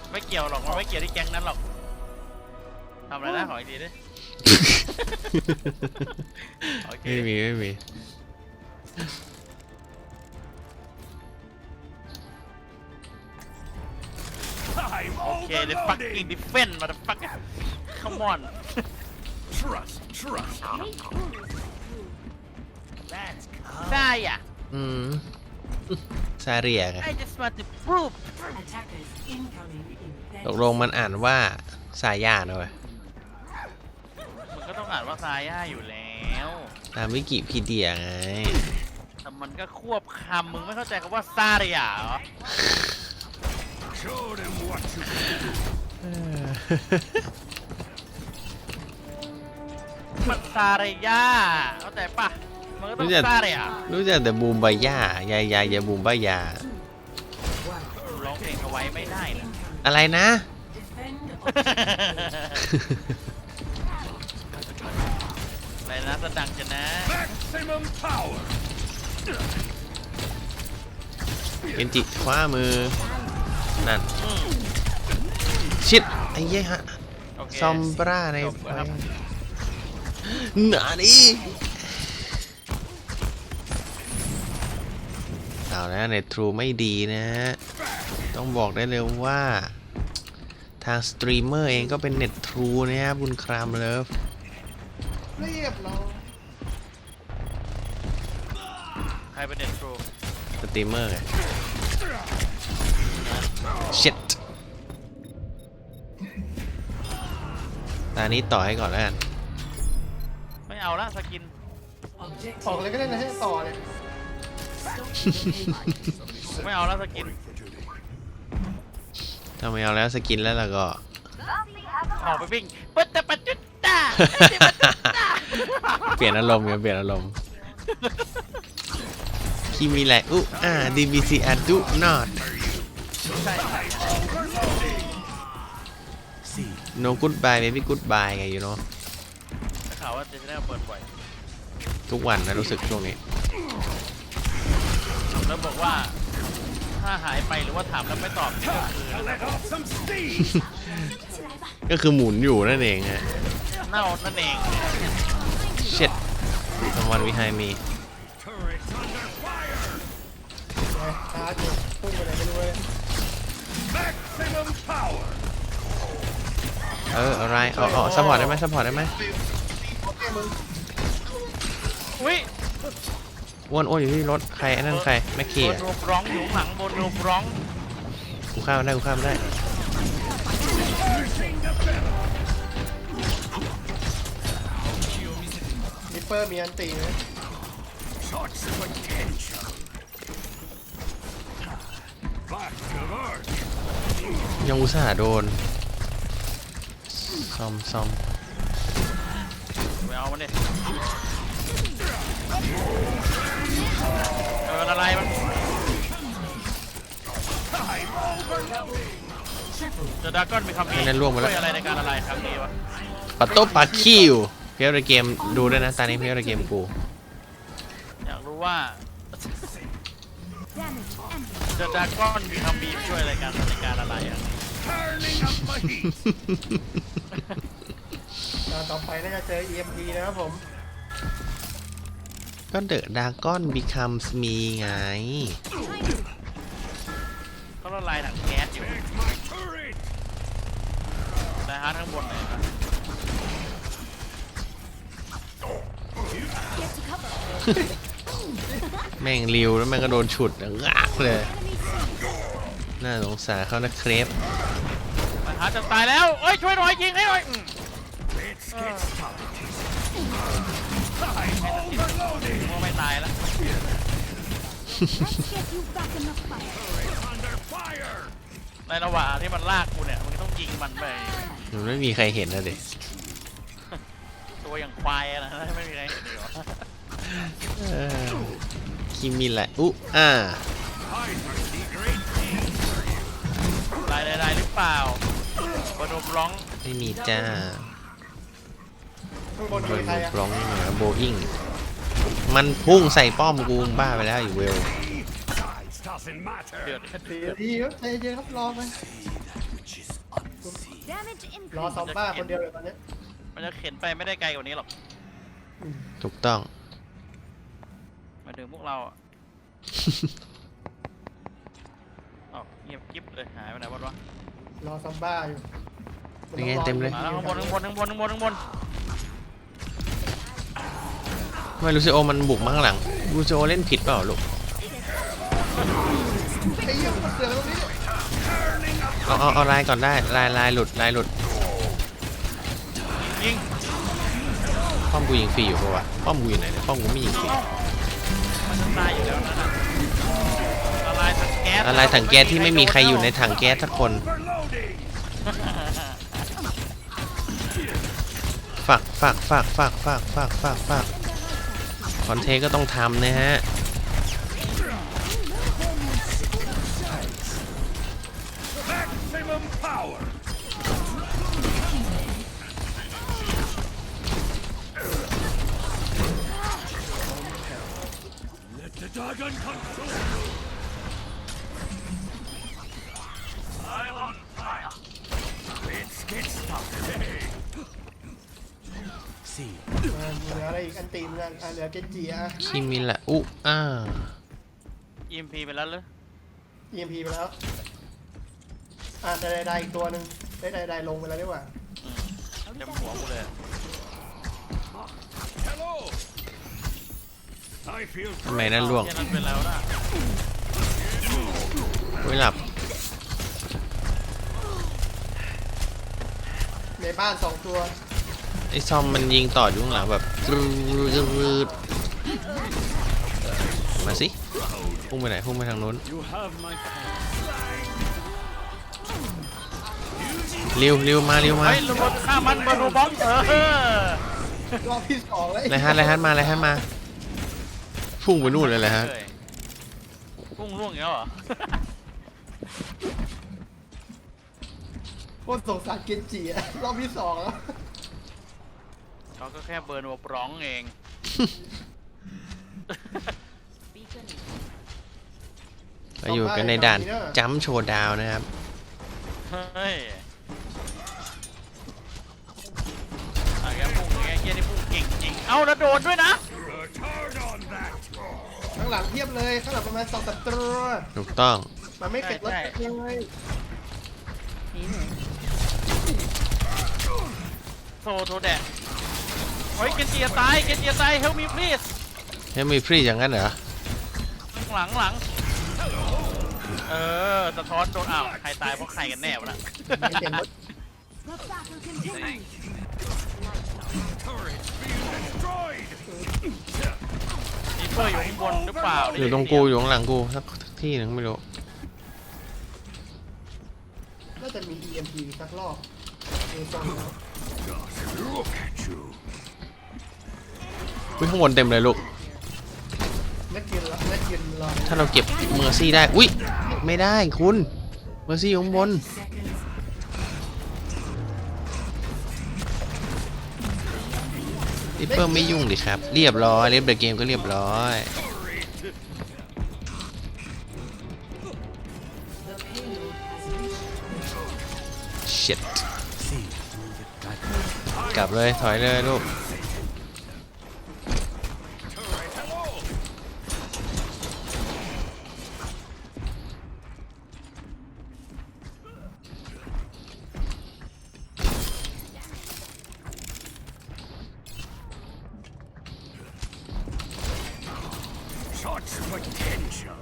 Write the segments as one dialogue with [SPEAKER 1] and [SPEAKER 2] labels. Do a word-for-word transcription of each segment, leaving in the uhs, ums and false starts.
[SPEAKER 1] ไม่เกี่ยวหรอกมันไม่เกี่ยวที่แก๊งนั้นหรอกทำอะไรนะขออีกทีดิ
[SPEAKER 2] ไม่มีไม่มี
[SPEAKER 1] โอเค the fucking defense motherfucker come on
[SPEAKER 3] Trust, trust.
[SPEAKER 1] ได้อ่ะ
[SPEAKER 2] อืมซาเรียไง
[SPEAKER 1] I just want to prove
[SPEAKER 2] ตกลงมันอ่านว่าซาย่านะเว้ย
[SPEAKER 1] มันก็ต้องอ่านว่าซาย่าอยู่แล้ว
[SPEAKER 2] ตามวิกิพีเดียไง
[SPEAKER 1] แต่มันก็ควบคำมึงไม่เข้าใจคำว่าซาเรียเหรอ
[SPEAKER 3] Show them what you can do.
[SPEAKER 1] มันซาเรียเข้าใจปะมันก็ต้อง
[SPEAKER 2] รู้จัก
[SPEAKER 1] ซาเรีย
[SPEAKER 2] รู้จักแต่บูมบายายายายายาบูมบายา
[SPEAKER 1] ร้องเพลงเอาไว้ไม่ได้นะ
[SPEAKER 2] อะไรนะ
[SPEAKER 1] อะไรนะสดังจะนะ
[SPEAKER 3] Maximum power.
[SPEAKER 2] เอ็นจิคว้ามือ นั่น ชิด ไอ้เหี้ยฮะ
[SPEAKER 1] โอเค
[SPEAKER 2] ซอมบราใน
[SPEAKER 1] จบ
[SPEAKER 2] ไฟ
[SPEAKER 1] แล้วครับ
[SPEAKER 2] หนาดิเอาแล้วในทรูไม่ดีนะฮะ ต้องบอกได้เลยว่า ทางสตรีมเมอร์เองก็เป็นเน็ตทรูนะครับบุญครามเลิฟ
[SPEAKER 4] เรียบร้อย
[SPEAKER 1] ใครเป็นเด็ดทรู
[SPEAKER 2] สตรีมเมอร์ไง shit ตอนนี้ต่อให้ก่อนแล้วกัน
[SPEAKER 1] ไม่เอาละสกิน
[SPEAKER 4] ออกเลยก็ได้นะให้ต่อเลย
[SPEAKER 1] ไม่เอาละสกิน
[SPEAKER 2] ถ้าไม่เอาแล้วสกินแล้วเราก็
[SPEAKER 1] ออกไปวิ่งปัจจปัจจุตา
[SPEAKER 2] เปลี่ยนอารมณ์ไงเปลี่ยนอารมณ์คิมิไลอุอ่า ดี บี ซี อาดูนอต no goodbye maybe goodbye ไง you know
[SPEAKER 1] ข่าวว่าจะได้เปิดบ่อย
[SPEAKER 2] ทุกวันนะรู้สึกช่วงนี้
[SPEAKER 1] แล้วบอกว่าถ้าหายไปหรือว่าถามแล้วไม่ตอบนี่ก็คือ
[SPEAKER 3] Let off some steam.
[SPEAKER 2] ก็คือหมุนอยู่นั่นเองฮะ
[SPEAKER 1] เน่านั่นเอง
[SPEAKER 2] shit someone behind me
[SPEAKER 3] Turret under fire.
[SPEAKER 4] ไงชาร์จอยู่พุ่งไปไหนไม่รู้เลย
[SPEAKER 3] Maximum power.
[SPEAKER 2] เอออะไรอ๋ออ๋อซัพพอร์ตได้ไหมซัพพอร์ตได้ไหม
[SPEAKER 4] โอเคมึง
[SPEAKER 1] อุ้ย
[SPEAKER 2] อ้วนอ้วนอยู่ที่รถใครไอ้นั่นใครแม็กกี้
[SPEAKER 1] บน
[SPEAKER 2] อ่ะ
[SPEAKER 1] รูปร้องอยู่ข้างหลังบนรูปร้อง
[SPEAKER 2] กูข้ามมันได้กูข้ามมันได้
[SPEAKER 4] นิปเปอร์มีอันตีไหม
[SPEAKER 3] Shots of attention. Back to earth.
[SPEAKER 2] ยังอุตส่าห์โดนซอมซอม
[SPEAKER 1] ไปเอามันดิเอออะไรมันเดอะดราก้อนมีคำนี้ช่วยอะไรในการอะไรครั้งนี้วะ
[SPEAKER 2] ปัตโต้ปาคิวเพียวในเกมดูด้วยนะตอนนี้เพียวในเกมกู
[SPEAKER 1] อยากรู้ว่าเดอะดราก้อนมีคำบีช่วยอะไรกันในการอะไรอ่ะ
[SPEAKER 3] Turning up my heat.
[SPEAKER 4] ตอนต่อไปน่าจะเจอ อี เอ็ม พี นะครับผม
[SPEAKER 2] ก็เดอะดาก้อน becomes me ไง
[SPEAKER 1] เขาละลายถังแก๊สอยู่
[SPEAKER 3] Take my turret.
[SPEAKER 1] นะฮะทั้งบนเลยนะ
[SPEAKER 2] แม่งริวแล้วแม่งก็โดนฉุดงากเลย น่าสงสารเขานะเครป
[SPEAKER 1] นะฮะจะตายแล้วเอ้ยช่วยหน่อยยิงให้หน่อย
[SPEAKER 3] Let's get started. I'm overloading.
[SPEAKER 1] มัวไม่ตายแล้ว
[SPEAKER 3] Under fire.
[SPEAKER 1] ในระหว่างที่มันลากกูเนี่ยมึงต้องยิงมันไป
[SPEAKER 2] มันไม่มีใครเห็นนะเด็ก
[SPEAKER 1] ตัวอย่างควายอะนะไม่มีใครเห็นดีหรอ
[SPEAKER 2] คิมิไลอุอ่า
[SPEAKER 3] I foresee great things for you.
[SPEAKER 1] ลายใดๆหรือเปล่าบนรูปร้อง
[SPEAKER 2] ไม่มีจ้า
[SPEAKER 4] ข้างบน
[SPEAKER 2] บ
[SPEAKER 4] มี
[SPEAKER 2] น
[SPEAKER 4] ใครอ่ะ
[SPEAKER 2] ร้องนี่นะโบอิงมันพุ่งใส่ป้อมกูบ้าไปแล้วอยู่เวล
[SPEAKER 3] Size doesn't matter.
[SPEAKER 1] เดือด
[SPEAKER 4] ดีดีครับใจเย็นครับรอไป
[SPEAKER 5] Damage
[SPEAKER 4] รอ
[SPEAKER 5] increase.
[SPEAKER 4] ซอมบ้าคนเดียวเลยตอนเนี้ย
[SPEAKER 1] มันจะเข็นไปไม่ได้ไกลกว่านี้หรอก
[SPEAKER 2] ถูกต้อง
[SPEAKER 1] มาถึงพวกเราอ่ะ อ้าวเงียบกิ๊บเลยหายไปไหนวะวะ
[SPEAKER 4] รอซอมบ้าอยู่
[SPEAKER 2] ยังไงเต็มเลย
[SPEAKER 1] มาแล้วข้างบนข้างบนข้างบนข้างบนข้างบน
[SPEAKER 2] ทำไมลูซิโอมันบุกมาข้างหลังลูซิโอเล่นผิดเปล่าลูก
[SPEAKER 4] ไอ้เหี้ยมันเสือกตรงนี้
[SPEAKER 2] เอาเอาเอาลายก่อนได้ลายลายหลุดลายหลุด
[SPEAKER 1] ยิง
[SPEAKER 2] ป้อมกูยิงฟรีอยู่ปะวะป้อมกูอยู่ไหนเนี่ยป้อมกูไม่ยิงฟรี
[SPEAKER 1] มันจะตายอยู่แล้วนั่นน่ะละลายถังแก๊ส
[SPEAKER 2] อะไรถังแก๊สที่ไม่มีใครอยู่ในถังแก๊สสักคน
[SPEAKER 3] Overloading.
[SPEAKER 2] ฝากฝากฝากฝากฝากฝากฝากฝากคอนเทก็ต้องทำนะฮะ
[SPEAKER 3] Maximum power. Let the dragon consume you. I'm on fire. Let's get started. See.
[SPEAKER 4] อ่าเหลืออะไรอีกอันตีมกันอ่ะเหลือเกนจิอ่ะ
[SPEAKER 2] คิมิละอุอ่า
[SPEAKER 1] อี เอ็ม พี ไปแล้วเหรอ
[SPEAKER 4] อี เอ็ม พี ไปแล้วอ่ะได้ได้อีกตัวหนึ่งได้ได้ได้ลงไปแล้วดีกว่า
[SPEAKER 1] อืมเต็มหัวกูเลย
[SPEAKER 3] Hello. I feel
[SPEAKER 2] ทำไมนั่นล่วง
[SPEAKER 1] แค่นั้นเป็นแล้วนะ
[SPEAKER 2] อุ้ยหลับ
[SPEAKER 4] ในบ้านสองตัว
[SPEAKER 2] ไอ้ซอมมันยิงต่ออยู่ข้างหลังแบบรืดมาสิพุ่งไปไหนพุ่งไปทางนู้น
[SPEAKER 3] you have my
[SPEAKER 2] เร็วเร็วมาเร็วมา
[SPEAKER 1] เฮ้ยระเบิดฆ่ามันบอลบอมเออ
[SPEAKER 4] รอบที่สองแล้ว
[SPEAKER 2] ไรฮัทไรฮัทมาไรฮัทมาพุ่งไปนู่นเลยไรฮัท
[SPEAKER 1] พุ่งล่วงอย่างเงี้ยเหรอ
[SPEAKER 4] โคตรสงสารเกนจิอ่ะรอบที่สองแล้ว
[SPEAKER 1] เขาก็แค่เบิร์นหัวปร้องเอง
[SPEAKER 2] เราอยู่กันในด่านจัมป์โชว์ดาวน์นะครับ
[SPEAKER 1] เฮ้ยอะแกพุ่งแกเกี้ยนี่พุ่งเก่งจริง เอ้าแล้วโดดด้วยนะ
[SPEAKER 3] return on that.
[SPEAKER 4] ข้างหลังเทียบเลยข้างหลังประมาณสองสามตัว
[SPEAKER 2] ถูกต้อง
[SPEAKER 4] มันไม่เป็ดรถ
[SPEAKER 1] ใช่
[SPEAKER 4] เลย
[SPEAKER 1] โซโทแดะเฮ้ยเกนจิจะตายเกนจิจะตาย help me please
[SPEAKER 2] เฮ้ยมีพรีอย่างนั้นเหรอ
[SPEAKER 1] หลังหลังเออสะท้อนโดนอ้าวใครตายเพราะใครกันแน่วะนะ
[SPEAKER 4] ไม่เป็นรถ
[SPEAKER 5] The battle continues.
[SPEAKER 3] Turret being destroyed.
[SPEAKER 1] มีเพื่ออยู่ข้างบนหรือเปล่า
[SPEAKER 2] อยู่ตรงกูอยู่ข้างหลังกูสักที่หนึ่งไม่รู้
[SPEAKER 4] น่าจะมี อี เอ็ม พี สักรอบดูทรงแล้ว
[SPEAKER 3] Look at you.
[SPEAKER 2] อุ้ยข้างบนเต็มเลยลูก
[SPEAKER 4] นักกินละนักกินรอ
[SPEAKER 2] ถ้าเราเก็บเมอร์ซี่ได้อุ้ยไม่ได้คุณเมอร์ซี่อยู่ข้างบนริปเปอร์ไม่ยุ่งดิครับ เรียบร้อยเรียบเดอะเกมก็เรียบร้อย shit กลับเลยถอยเลยลูก
[SPEAKER 3] Such potential.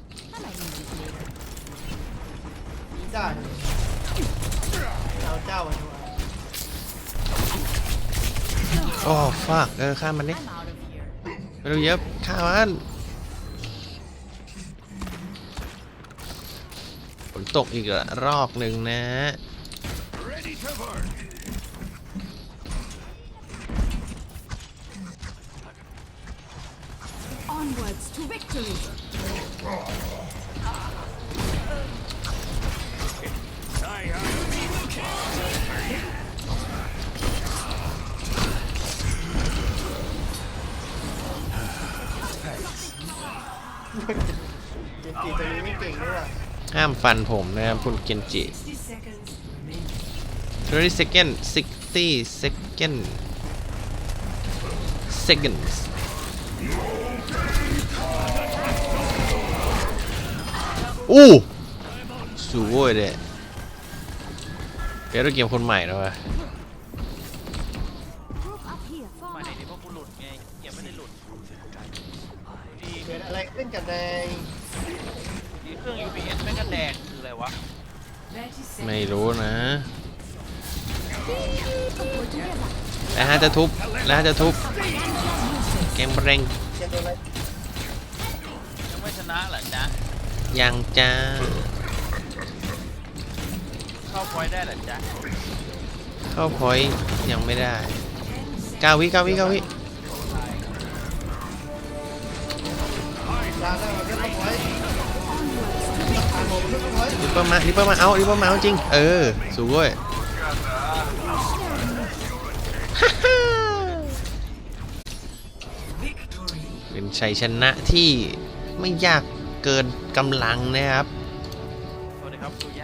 [SPEAKER 4] นี่ได้เลยเอาเจ้ามาดีกว่า
[SPEAKER 2] โอ้ฟากเออข้ามมันดิ
[SPEAKER 5] I'm out of here.
[SPEAKER 2] ไม่รู้เยอะข้ามมันฝนตกอีกละรอบหนึ่งนะ
[SPEAKER 3] Ready to burn.
[SPEAKER 5] Onwards to victory.
[SPEAKER 3] I am
[SPEAKER 4] เกนจิตัวนี้ไม่เก่งด้วยว่ะ
[SPEAKER 2] ห้ามฟันผมนะครับคุณเกนจิ
[SPEAKER 5] sixty seconds remaining.
[SPEAKER 2] thirty second sixty second seconds อู้สวยเลยเดี๋ยวเราเกมคนใหม่แล้ววะ
[SPEAKER 5] Group up here.
[SPEAKER 1] มา
[SPEAKER 5] Far
[SPEAKER 1] ไหน
[SPEAKER 5] up.
[SPEAKER 1] ดีเพราะกูหลุดไงเกมไม่ได้หลุดดี
[SPEAKER 4] เกิดอะไรขึ้นกับแดง
[SPEAKER 1] ดีเครื่อง ยู พี เอส แม่งก็แดงคืออะไรวะ
[SPEAKER 2] ไม่รู้นะ
[SPEAKER 5] We're together.
[SPEAKER 2] แล้วฮะจะทุบแล้วฮะจะทุบเกมแรง
[SPEAKER 4] เกมโดนอะไร
[SPEAKER 1] ยังไม่ชนะเหรอจ๊ะ
[SPEAKER 2] ยังจ้า
[SPEAKER 1] เข้าพอยต์ได้เหรอจ๊ะ
[SPEAKER 2] เข้าพอยต์ยังไม่ได้เก้าวิเก้าวิเก้าวิ
[SPEAKER 4] ลาได้มาเรียบร้อยผ่านหมดเรียบร้อย
[SPEAKER 2] ริปเปอร์มาริปเปอร์มาเอาริปเปอร์มาเอาจริงเออสวยเป็นชัยชนะที่ไม่ยากเกินกำลังนะครับ
[SPEAKER 1] สวัสดีครับสุยะ